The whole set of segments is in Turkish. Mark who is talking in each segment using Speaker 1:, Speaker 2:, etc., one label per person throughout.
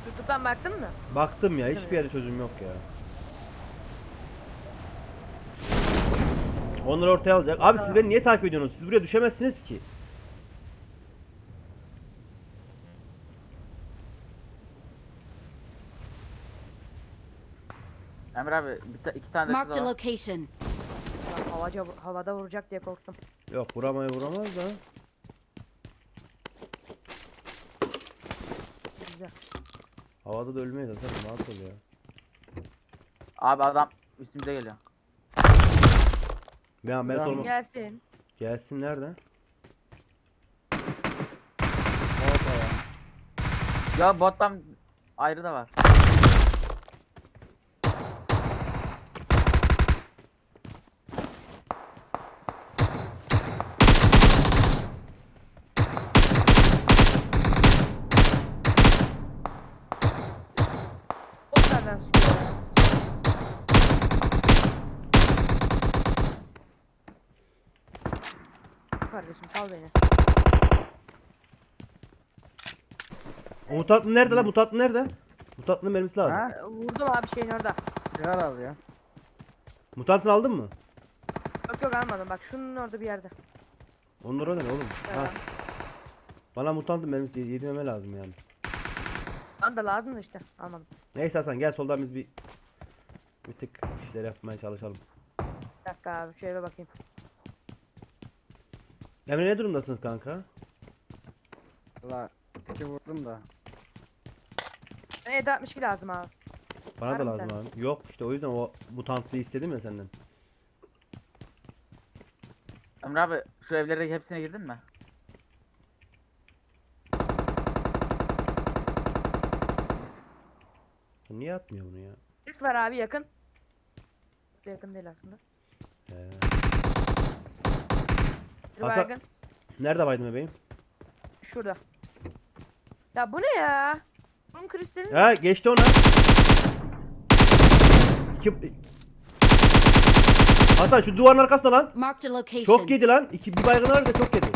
Speaker 1: YouTube'dan baktın mı?
Speaker 2: Baktım ya, hiçbir yerde çözüm yok ya. Onları ortaya alacak. Abi siz beni niye takip ediyorsunuz? Siz buraya düşemezsiniz ki.
Speaker 3: Emre abi iki tane de
Speaker 4: Marked a
Speaker 3: şurada var.
Speaker 4: location.
Speaker 1: Ya havada vuracak diye korktum.
Speaker 2: Yok, vuramaz da.
Speaker 1: Güzel.
Speaker 2: Havada da ölmeyiz zaten, rahat ol ya.
Speaker 3: Abi adam üstümüze geliyor.
Speaker 2: Ben sorma.
Speaker 1: Gelsin.
Speaker 2: Gelsin nerede?
Speaker 3: Ya bottan ayrı da var.
Speaker 1: O nereden sıkıyor ya? Kardeşim sal beni.
Speaker 2: O mutatlı nerede lan? Mutatlı nerede? Mutatlının mermisi lazım.
Speaker 5: Ha?
Speaker 1: Vurdum abi şeyin orada.
Speaker 5: Sigara al ya.
Speaker 2: Mutantını aldın mı?
Speaker 1: Yok almadım bak şunun orada bir yerde.
Speaker 2: Onlar o ne oğlum? Ha.
Speaker 1: Ha.
Speaker 2: Bana mutantın mermisi yedimeme lazım yani.
Speaker 1: Bana da lazım da işte almadım.
Speaker 2: Neyse Hasan, gel soldan biz bir tık işler yapmaya çalışalım.
Speaker 1: Bir dakika abi şöyle bakayım.
Speaker 2: Emre, ne durumdasınız kanka?
Speaker 5: Valla 2 vurdum da.
Speaker 1: Bana 762 lazım abi.
Speaker 2: Bana
Speaker 1: Var
Speaker 2: da
Speaker 1: mı
Speaker 2: lazım
Speaker 1: sende?
Speaker 2: abi. Yok işte, o yüzden o mutantlıyı istedim ya senden.
Speaker 3: Emre abi şu evlere hepsine girdin mi?
Speaker 2: Bu niye atmıyor bunu ya?
Speaker 1: X var abi yakın. Yakın değil aslında. Bir
Speaker 2: Hasan-
Speaker 1: baygın.
Speaker 2: Nerede baydın bebeğim?
Speaker 1: Şurada. Ya bu ne ya? Bunun kristalin
Speaker 2: Ha, geçti ona. İki... Hasan şu duvarın arkasında lan.
Speaker 4: Marked a location.
Speaker 2: Çok yedi lan. Bir baygın var da çok yedi.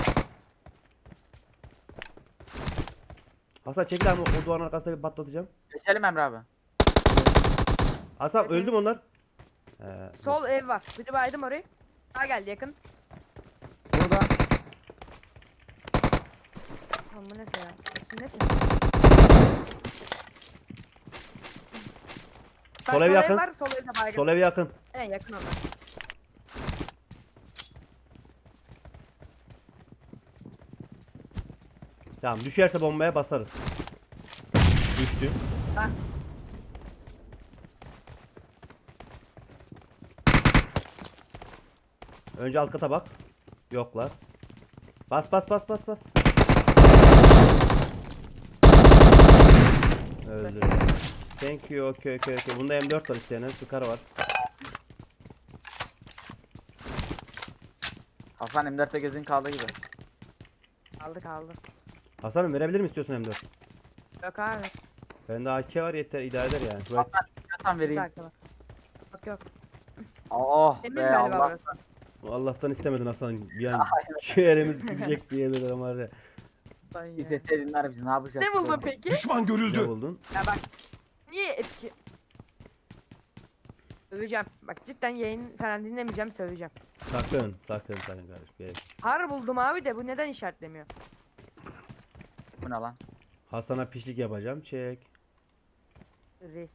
Speaker 2: Hasan çekil abi, o duvarın arkasında bir patlatacağım.
Speaker 3: Geçelim Emre abi.
Speaker 2: Hasan
Speaker 1: Hepimiz-
Speaker 2: öldü mü onlar?
Speaker 1: sol ev var. Bir de baydım orayı. Daha geldi yakın.
Speaker 5: Burada.
Speaker 1: Lan bu neyse ya. Bu neyse. Bak,
Speaker 2: Sol ev yakın.
Speaker 1: var, sol evde baygın.
Speaker 2: Sol ev yakın.
Speaker 1: En yakın onlar.
Speaker 2: Tamam, düşerse bombaya basarız. Düştü.
Speaker 1: Bas.
Speaker 2: Önce alt kata bak. Yoklar. Bas. Öldü. Thank you. Okay. Bunda M4 var isteyene. Scar var.
Speaker 3: Hasan M4'te gözün kaldı gibi.
Speaker 1: Kaldı.
Speaker 2: Hasan'ım, verebilir mi istiyorsun M4?
Speaker 1: Yok abi.
Speaker 2: Bende AK var, yeter, idare eder yani. Şuraya-
Speaker 3: Hasan
Speaker 1: Bir
Speaker 3: vereyim.
Speaker 1: dakika bak. Yok.
Speaker 3: Oh
Speaker 1: Senin
Speaker 3: be
Speaker 1: galiba
Speaker 3: Allah.
Speaker 1: burası.
Speaker 2: Allah'tan istemedin Hasan. Yani ciğerimiz gidecek diye bir adam var ya.
Speaker 1: Lan ya.
Speaker 3: İzleseydinler bizi ne yapacağız?
Speaker 1: Ne buldun peki?
Speaker 6: Düşman
Speaker 2: Ne
Speaker 6: görüldü.
Speaker 2: buldun?
Speaker 1: Ya bak. Niye etki? Söveceğim. Bak cidden yayın falan dinlemeyeceğim, söveceğim.
Speaker 2: Sakın kardeşim. Gerek.
Speaker 1: Har buldum abi de bu neden işaretlemiyor?
Speaker 3: Bu ne lan?
Speaker 2: Hasan'a pişlik yapacağım. Çek.
Speaker 1: Reis.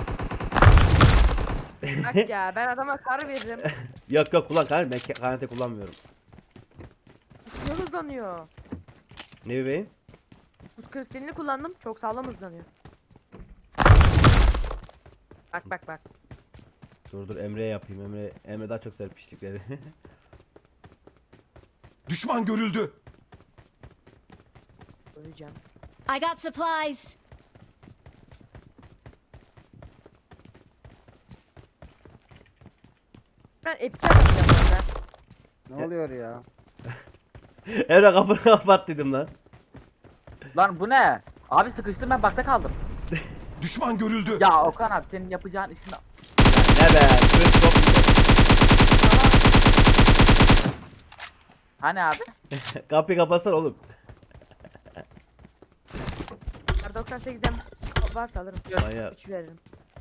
Speaker 1: Bak ya ben adama kar veririm.
Speaker 2: Yok kullan kardeşim. Ben KNT kullanmıyorum.
Speaker 1: Ne hızlanıyor?
Speaker 2: Ne bebeğim?
Speaker 1: Buz kristalini kullandım. Çok sağlam hızlanıyor. Bak.
Speaker 2: Dur Emre'ye yapayım. Emre daha çok sever pişlikleri.
Speaker 6: Düşman görüldü.
Speaker 1: Öleceğim.
Speaker 4: I got supplies.
Speaker 1: Ben epike bakacağım orada.
Speaker 5: Ne oluyor ya?
Speaker 2: Emre kapını kapat dedim lan.
Speaker 3: Lan bu ne? Abi sıkıştım ben bakta kaldım.
Speaker 6: Düşman görüldü.
Speaker 3: Ya Okan abi senin yapacağın işin...
Speaker 2: Ne be? Söz çok güzel.
Speaker 3: Hani abi?
Speaker 2: Kapıyı kapatsana oğlum.
Speaker 1: Kar 98'den varsa alırım.
Speaker 2: Manyak.
Speaker 1: 3 veririm.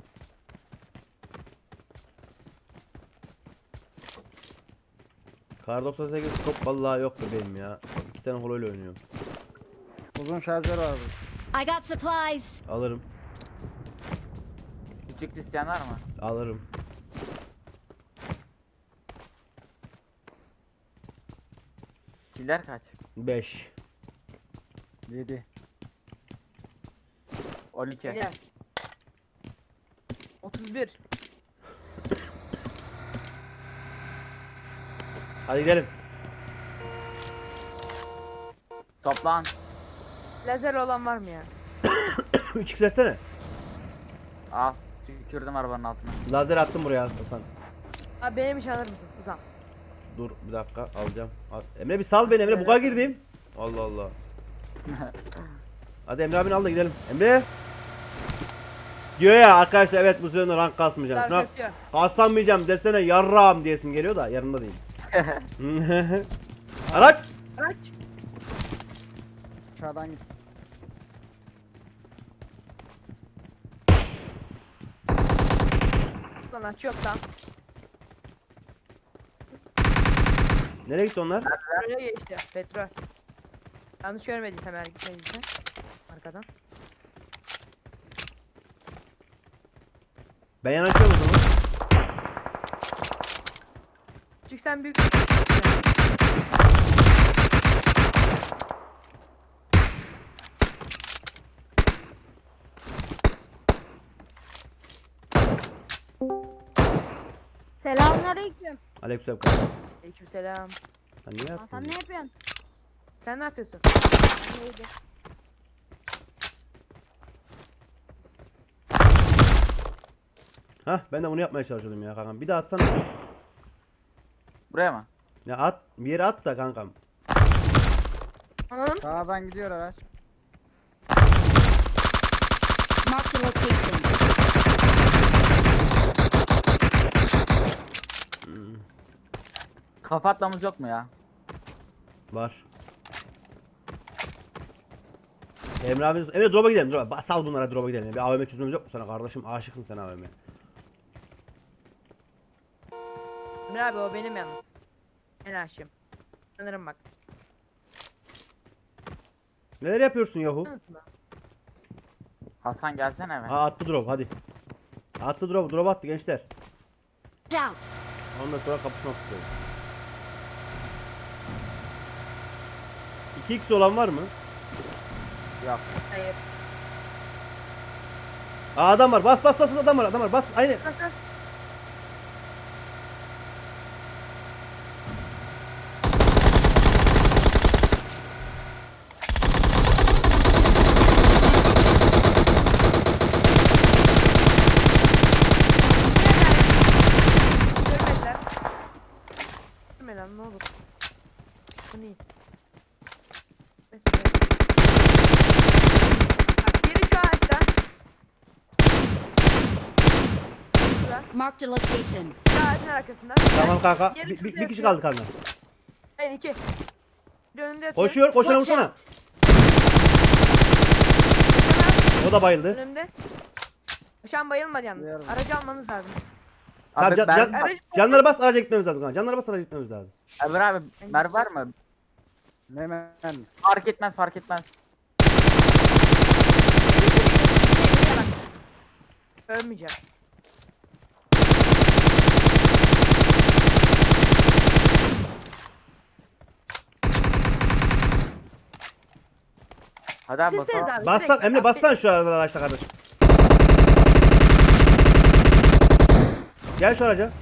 Speaker 2: Kar 98 skop vallahi yoktu benim ya. 2 tane holoyla oynuyorum.
Speaker 5: Uzun şarjör var burada.
Speaker 4: I got supplies.
Speaker 2: Alırım.
Speaker 3: Küçük isteyen var mı?
Speaker 2: Alırım.
Speaker 3: Killer kaç?
Speaker 2: 5.
Speaker 5: 7.
Speaker 3: 12.
Speaker 1: Gel. 31.
Speaker 2: Hadi gidelim.
Speaker 3: Toplan.
Speaker 1: Lazer olan var mı ya?
Speaker 2: 3x versene.
Speaker 3: Al. Tükürdüm arabanın altına.
Speaker 2: Lazer attım buraya Hasan.
Speaker 1: Abi benim iş alır mısın? Uzan.
Speaker 2: Dur bir dakika alacağım. Emre bir sal beni Emre, buga girdim. Allah Allah. Hadi Emre abini al da gidelim. Emre. Diyor ya arkadaşlar, evet bu sene rank kasmayacağım. Şuna
Speaker 1: Kaçıyor.
Speaker 2: kasamayacağım desene yarrağım diyesin geliyor da yarında değil. Araç.
Speaker 1: Araç.
Speaker 5: Aşağıdan git.
Speaker 1: Lan aç yok lan.
Speaker 2: Nereye gitti onlar?
Speaker 1: Öyle geçti. Petrol. Yanlış görmediysem eğer gitmediyse. Arkadan.
Speaker 2: Ben yanaşıyorum o zaman.
Speaker 1: Çünkü sen büyük...
Speaker 7: Selamünaleyküm.
Speaker 2: Aleykümselam kanka.
Speaker 1: Aleykümselam.
Speaker 2: Sen niye
Speaker 7: Hasan
Speaker 2: yaptın?
Speaker 7: ne yapıyorsun?
Speaker 1: Sen ne yapıyorsun?
Speaker 7: Neydi?
Speaker 2: Hah ben de bunu yapmaya çalışıyordum ya kankam. Bir daha atsana.
Speaker 3: Buraya mı?
Speaker 2: Ya at, bir yere at da kankam.
Speaker 1: Anladın?
Speaker 5: Sağdan gidiyor araç.
Speaker 4: Marked a location.
Speaker 3: Kafa atlamız yok mu ya?
Speaker 2: Var. Emre abi, Emre drop'a gidelim. Drop'a. Sal bunlara, drop'a gidelim. Bir AVM çözmemiz yok mu sana kardeşim? Aşıksın sen AVM.
Speaker 1: Emre abi o benim yalnız. En aşığım. Sanırım bak.
Speaker 2: Neler yapıyorsun yahu?
Speaker 1: Unutma.
Speaker 3: Hasan gelsene eve.
Speaker 2: Ha attı drop hadi. Attı drop, drop attı gençler.
Speaker 4: Watch out.
Speaker 2: Ondan sonra kapışmak istiyorum. 2x olan var mı?
Speaker 3: Yok.
Speaker 1: Hayır.
Speaker 2: Aa adam var. Bas bas bas, adam var, adam var. Bas aynı.
Speaker 1: Bas bas. Görmediler. Görme lan ne olur. Bu ne? Bak biri şu ağaçta. Şurada.
Speaker 4: Marked a location.
Speaker 1: Şu ağacın arkasında.
Speaker 2: Tamam kanka.
Speaker 1: Yeri
Speaker 2: Bir
Speaker 1: şurada
Speaker 2: kişi
Speaker 1: yatıyor.
Speaker 2: kaldı kanka.
Speaker 1: Hayır iki. Bir önünde yatıyor.
Speaker 2: Koşuyor, koşana
Speaker 4: Watch
Speaker 2: vursana.
Speaker 4: out.
Speaker 2: O da bayıldı.
Speaker 1: Önümde. Şu an bayılmadı yalnız.
Speaker 5: Duyarım.
Speaker 1: Aracı almanız lazım.
Speaker 2: Tamam,
Speaker 3: Abi
Speaker 2: can,
Speaker 3: ben...
Speaker 2: can, canları bas, araca gitmemiz lazım kanka. Canları bas, araca gitmemiz lazım.
Speaker 3: Ömer abi mer var mı?
Speaker 5: Ne mermisi?
Speaker 3: Fark etmez fark etmez.
Speaker 1: Ölmeyeceğim.
Speaker 3: Hadi abi
Speaker 1: Siz
Speaker 3: bakalım.
Speaker 1: abi.
Speaker 2: Bas lan
Speaker 1: direkt
Speaker 2: Emre,
Speaker 1: bak.
Speaker 2: bas lan şu araçta kardeşim. Gel şu araca.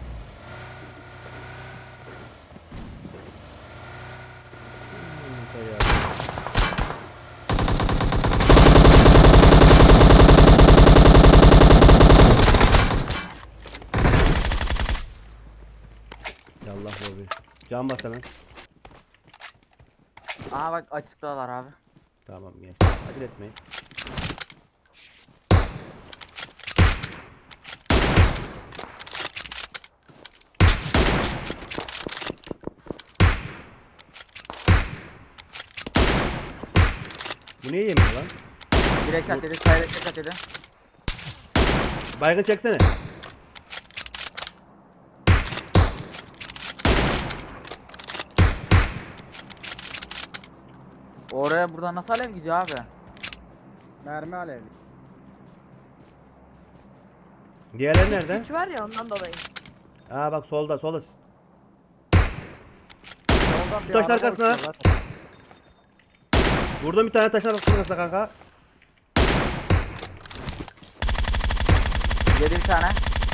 Speaker 2: Yallah lobi. Can bas hemen.
Speaker 3: Aha bak açıktalar abi.
Speaker 2: Tamam gel. Acele etmeyin. Bu niye yemiyor lan?
Speaker 3: Direkt at dedi, sayı direkt at dedi.
Speaker 2: Baygın çeksene.
Speaker 3: Oraya buradan nasıl alev gidiyor abi?
Speaker 5: Mermi alevli.
Speaker 2: Diğerleri nerede?
Speaker 1: Güç var ya ondan dolayı.
Speaker 2: Aa bak solda solda.
Speaker 5: Soldan
Speaker 2: Şu
Speaker 5: bir
Speaker 2: taşın
Speaker 5: araba
Speaker 2: arkasına.
Speaker 5: uçuyor lan.
Speaker 2: Vurdum bir tane taşın arkasına kanka.
Speaker 3: Yedi bir tane.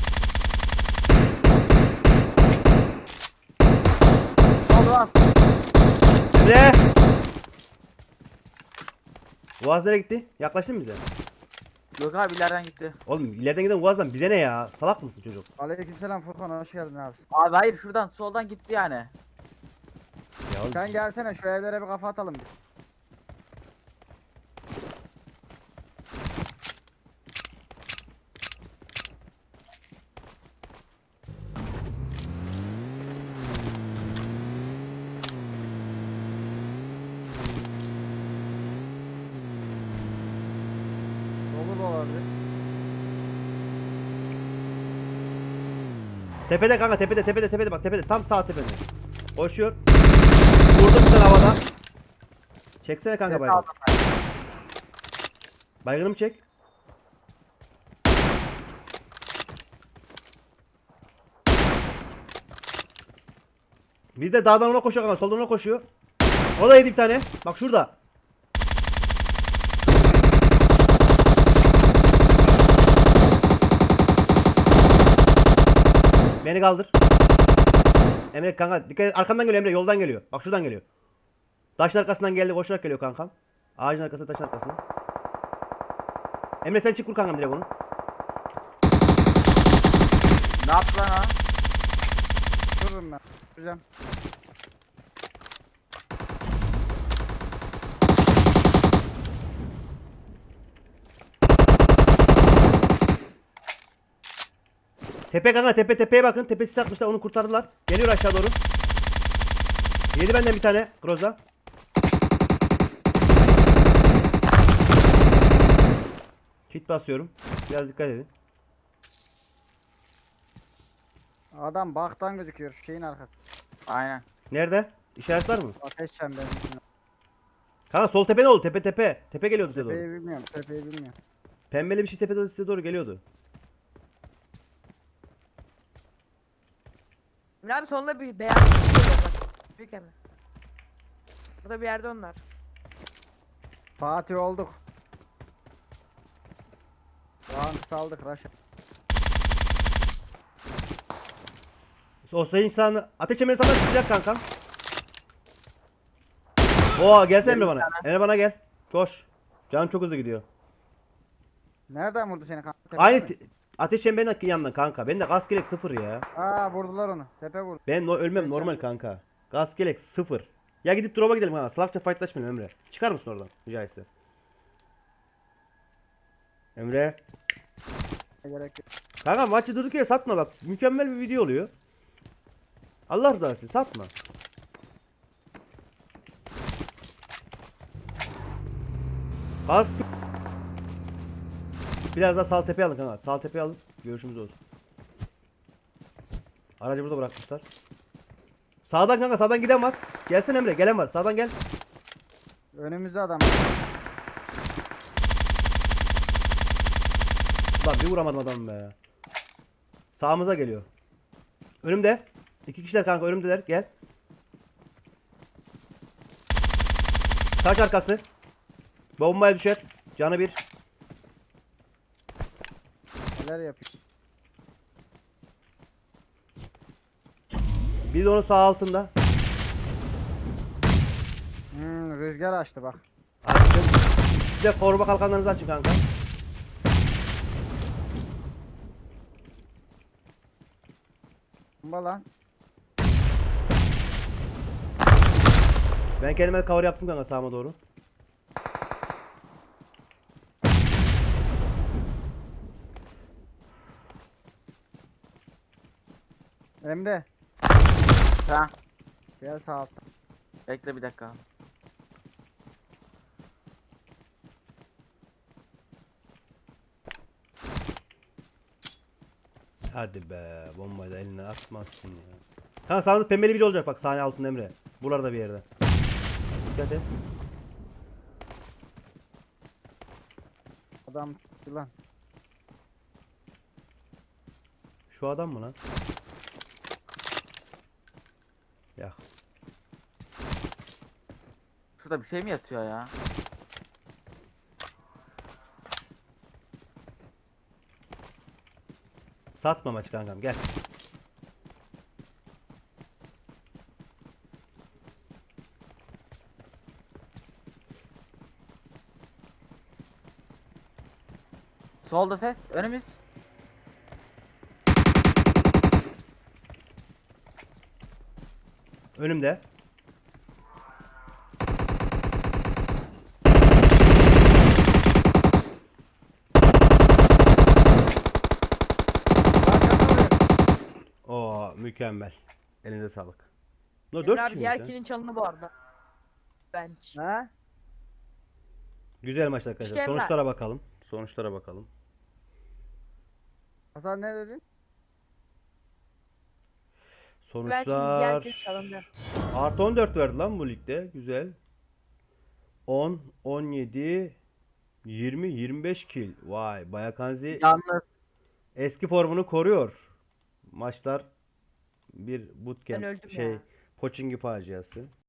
Speaker 3: Sol var.
Speaker 2: Emre! Boğaz nereye gitti? Yaklaştın mı bize?
Speaker 3: Yok abi ileriden gitti.
Speaker 2: Oğlum ileriden giden Boğaz'dan bize ne ya? Salak mısın çocuk?
Speaker 5: Aleykümselam Furkan, hoş geldin abi.
Speaker 3: Abi hayır şuradan soldan gitti yani.
Speaker 2: Ya oğlum,
Speaker 5: Sen gelsene şu evlere bir kafa atalım. Dolu da olabilir.
Speaker 2: tepede kanka tepede bak tepede tam sağ tepede. Koşuyor. Vurdum bir tane havada. Çeksene kanka
Speaker 3: Ses
Speaker 2: baygın.
Speaker 3: aldım ben.
Speaker 2: Baygınımı çek. Bir de dağdan ona koşuyor kanka soldan ona koşuyor. O da yedi bir tane. Bak şurada. Beni kaldır. Emre kanka dikkat et. Arkamdan geliyor Emre, yoldan geliyor. Bak şuradan geliyor. Taşın arkasından geldi, koşarak geliyor kankam. Ağacın arkasına, taşın arkasına. Emre sen çık vur kankam direkt onu.
Speaker 3: Ne yaptı lan o?
Speaker 5: Dururum ben. Duracağım.
Speaker 2: Tepe kanka tepeye bakın. Tepesi atmışlar, onu kurtardılar. Geliyor aşağı doğru. Yedi benden bir tane Groza. Kit basıyorum. Biraz dikkat edin.
Speaker 5: Adam baktan gözüküyor şu şeyin arkası.
Speaker 3: Aynen.
Speaker 2: Nerede? İşaret var mı?
Speaker 5: Ateş çemberinin içinde.
Speaker 2: Kanka sol tepe ne oldu? Tepe. Tepe geliyordu size
Speaker 5: Tepeyi
Speaker 2: doğru.
Speaker 5: bilmiyorum, tepeyi bilmiyorum.
Speaker 2: Pembeli bir şey tepede size doğru geliyordu.
Speaker 1: Emre abi sonunda bir beyaz bir şey geliyor bak. Büyük Emre. Burada bir yerde onlar.
Speaker 5: Fatih olduk. Rank saldık Raşa.
Speaker 2: O sayın insanı ateş emri sana çıkacak kankam. Oo gelsene Emre bana. Emre bana gel. Koş. Canım çok hızlı gidiyor.
Speaker 5: Nereden vurdu seni kanka? Tepeden
Speaker 2: Aynı
Speaker 5: mi?
Speaker 2: ateş çemberinin yanından kanka. Ben de gaz gerek 0 ya.
Speaker 5: Aa, vurdular onu. Tepe vurdu.
Speaker 2: Ben ölmem normal kanka. Gaz gerek 0. Ya gidip drop'a gidelim ha. Salakça fightlaşmayalım Emre. Çıkar mısın oradan rica etse. Emre.
Speaker 5: Gerek yok.
Speaker 2: Kanka maçı durduk yere satma bak. Mükemmel bir video oluyor. Allah rızası için satma. Gaz biraz daha sağ tepeye alın kanka. Sağ tepeye alın. Görüşümüz olsun. Aracı burada bırakmışlar. Sağdan kanka, sağdan giden var. Gelsene Emre, gelen var. Sağdan gel.
Speaker 5: Önümüzde adam.
Speaker 2: Lan bir vuramadım adamı be. Sağımıza geliyor. Önümde. İki kişiler kanka önümdeler. Gel. Taş arkası. Bombaya düşer. Canı bir.
Speaker 5: Neler yapıyor?
Speaker 2: Bir de onun sağ altında.
Speaker 5: Rüzgar açtı bak.
Speaker 2: Açtım. Siz de koruma kalkanlarınızı açın kanka.
Speaker 5: Bomba lan.
Speaker 2: Ben kendime cover yaptım kanka sağıma doğru.
Speaker 5: Emre.
Speaker 3: Ha.
Speaker 5: Gel sağ altta.
Speaker 3: Bekle bir dakika.
Speaker 2: Hadi be. Bombayı da eline atmazsın ya. Kanka sağında pembeli biri olacak bak sahne altında Emre. Buralarda bir yerde. Dikkat et.
Speaker 5: Adam çıktı lan.
Speaker 2: Şu adam mı lan? Ya.
Speaker 3: Şurada bir şey mi yatıyor ya?
Speaker 2: Satma maçı kankam gel.
Speaker 3: Solda ses. Önümüz.
Speaker 2: Önümde. Oo mükemmel. Elinize sağlık. No
Speaker 1: Emre
Speaker 2: 4
Speaker 1: abi
Speaker 2: kişi
Speaker 1: diğer
Speaker 2: mi?
Speaker 1: kilin çalını bu arada. Bench.
Speaker 5: Ha?
Speaker 2: Güzel maç arkadaşlar.
Speaker 1: İşte Emre.
Speaker 2: Sonuçlara bakalım. Sonuçlara bakalım.
Speaker 5: Hasan ne dedin?
Speaker 1: Bench'in diğer
Speaker 2: Sonuçlar
Speaker 1: kilin çalındı.
Speaker 2: artı 14 verdi lan bu ligde. Güzel. 10, 17, 20, 25 kill. Vay, Bayakanzi
Speaker 3: Yalnız
Speaker 2: eski formunu koruyor. Maçlar bir bootcamp
Speaker 1: Ben öldüm
Speaker 2: şey
Speaker 1: ya.
Speaker 2: Pochinki faciası.